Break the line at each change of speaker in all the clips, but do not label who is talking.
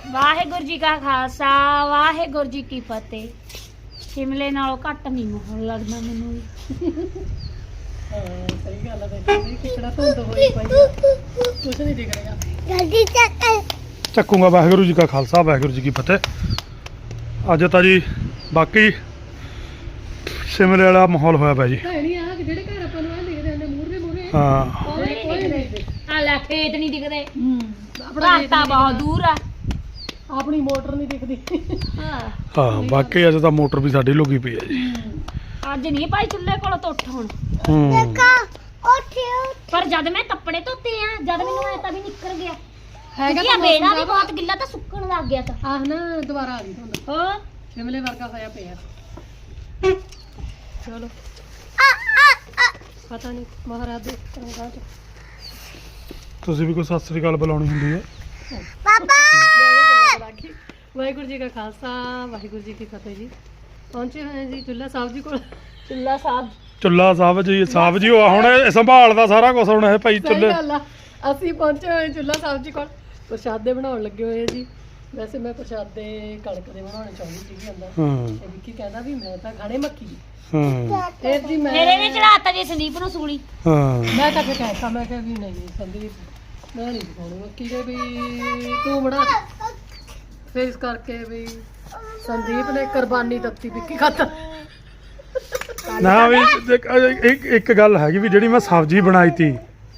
ਵਾਹਿਗੁਰੂ ਜੀ ਕਾ ਖਾਲਸਾ ਵਾਹਿਗੁਰੂ ਜੀ ਕੀ ਫਤਿਹ। ਸ਼ਿਮਲੇ ਨਾਲੋਂ ਘੱਟ ਨਹੀਂ ਮਾਹੌਲ ਲੱਗਦਾ ਮੈਨੂੰ ਵੀ।
ਸਹੀ ਗੱਲ ਹੈ। ਦੇਖੀ ਕਿਹੜਾ ਧੁੰਦ ਹੋਈ ਪਈ ਆ, ਕੁਛ ਨਹੀਂ ਦਿਖ ਰਿਹਾ।
ਜਲਦੀ
ਚੱਕੂਗਾ। ਵਾਹਿਗੁਰੂ ਜੀ ਕਾ ਖਾਲਸਾ ਵਾਹਿਗੁਰੂ ਜੀ ਕੀ ਫਤਿਹ। ਅੱਜ ਤਾਂ ਜੀ ਬਾਕੀ ਸ਼ਿਮਲੇ ਵਾਲਾ ਮਾਹੌਲ ਹੋਇਆ ਪਿਆ ਜੀ।
ਨਹੀਂ ਆ ਜਿਹੜੇ ਘਰ ਆਪਾਂ ਨੂੰ ਆ ਦਿਖਦੇ ਨੇ ਮੂਹਰੇ
ਹਾਂ
ਉਹ ਵੀ ਨਹੀਂ ਦਿਖਦੇ। ਆ ਲੈ ਖੇਤ ਨਹੀਂ ਦਿਖਦੇ,
ਆਪਣਾ
ਘਰ ਤਾਂ ਬਹੁਤ ਦੂਰ ਆ।
ਆਪਣੀ ਮੋਟਰ ਨਹੀਂ ਦਿਖਦੀ।
ਹਾਂ
ਹਾਂ ਬਾਕੀ ਅੱਜ ਤਾਂ ਮੋਟਰ ਵੀ ਸਾਡੀ ਲੁਕੀ ਪਈ ਹੈ ਜੀ।
ਅੱਜ ਨਹੀਂ ਭਾਈ ਚੁੱਲ੍ਹੇ ਕੋਲ ਤੋਂ ਉੱਠ ਹੁਣ।
ਉੱਠਿਓ
ਪਰ ਜਦ ਮੈਂ ਕੱਪੜੇ ਧੋਤੇ ਆ, ਜਦ ਮੈਨੂੰ ਐ ਤਾਂ ਵੀ ਨਿਕਲ ਗਿਆ
ਹੈਗਾ
ਕਿਉਂਕਿ ਮੇਰਾ ਵੀ ਬਹੁਤ ਗਿੱਲਾ ਤਾਂ ਸੁੱਕਣ ਲੱਗ ਗਿਆ ਤਾਂ।
ਆਹ ਨਾ ਦੁਬਾਰਾ ਆ ਗਈ ਧੁੰਦ,
ਹੋਰ
ਸ਼ਿਮਲੇ ਵਰਗਾ ਹੋਇਆ ਪਿਆ। ਚਲੋ ਪਤਾ ਨਹੀਂ ਮਹਾਰਾਜ ਦੇ ਰੰਗਾਂ ਚ
ਤੁਸੀਂ ਵੀ ਕੋਈ ਸਤਿ ਸ੍ਰੀ ਅਕਾਲ ਬੁਲਾਉਣੀ ਹੁੰਦੀ ਹੈ।
ਪਾਪਾ
ਵਾਹਿਗੁਰੂ ਜੀ ਕਾ ਖਾਲਸਾ ਵਾਹਿਗੁਰੂ ਜੀ ਕੀ ਫਤਿਹ ਜੀ। ਪਹੁੰਚੇ ਹੋਏ ਹਾਂ ਜੀ ਚੁੱਲ੍ਹਾ ਸਾਹਿਬ ਜੀ ਕੋਲ।
ਚੁੱਲ੍ਹਾ ਸਾਹਿਬ
ਚੁੱਲਾ ਸਾਹਿਬ ਜੀ ਉਹ ਹੁਣ ਸੰਭਾਲਦਾ ਸਾਰਾ ਕੁਝ ਹੁਣ ਇਹ ਭਾਈ
ਸਹੀ
ਚੁੱਲੇ।
ਗੱਲ ਆ, ਅਸੀਂ ਪਹੁੰਚੇ ਹੋਏ ਚੁੱਲ੍ਹਾ ਸਾਹਿਬ ਜੀ ਕੋਲ। ਪ੍ਰਸ਼ਾਦੇ ਬਣਾਉਣ ਲੱਗੇ ਹੋਏ ਆ ਜੀ। ਵੈਸੇ ਮੈਂ ਪ੍ਰਸ਼ਾਦੇ ਕਣਕ ਦੇ ਬਣਾਉਣੇ ਚਾਹੁੰਦੀ ਸੀਗੀ ਅੰਦਰ,
ਹਾਂ
ਤੇ ਵਿੱਕੀ ਕਹਿੰਦਾ ਵੀ ਮੈਂ ਤਾਂ ਖਾਣੇ ਮੱਕੀ ਦੀ।
ਹਾਂ
ਫਿਰ ਜੀ
ਮੇਰੇ ਨੇ ਚੜਾਤਾ ਜੀ ਸੰਦੀਪ ਨੂੰ ਸੂਲੀ।
ਹਾਂ
ਮੈਂ ਤਾਂ ਕਹਿਤਾ, ਮੈਂ ਕਿਹਾ ਵੀ ਨਹੀਂ ਸੰਦੀਪ ਮੈਂ ਨਹੀਂ ਖਾਣੀ ਮੱਕੀ ਦੇ, ਵੀ ਤੂੰ ਬਣਾ ਦੇ। ਫਿਰ ਇਸ ਕਰਕੇ ਵੀ ਸੰਦੀਪ ਨੇ ਕੁਰਬਾਨੀ ਦਿੱਤੀ, ਵਿੱਕੀ ਖਾਤਾ।
ਨਾ ਵੀ ਇੱਕ ਗੱਲ ਹੈਗੀ ਵੀ ਜਿਹੜੀ ਮੈਂ ਸਬਜ਼ੀ ਬਣਾਈ ਤੀ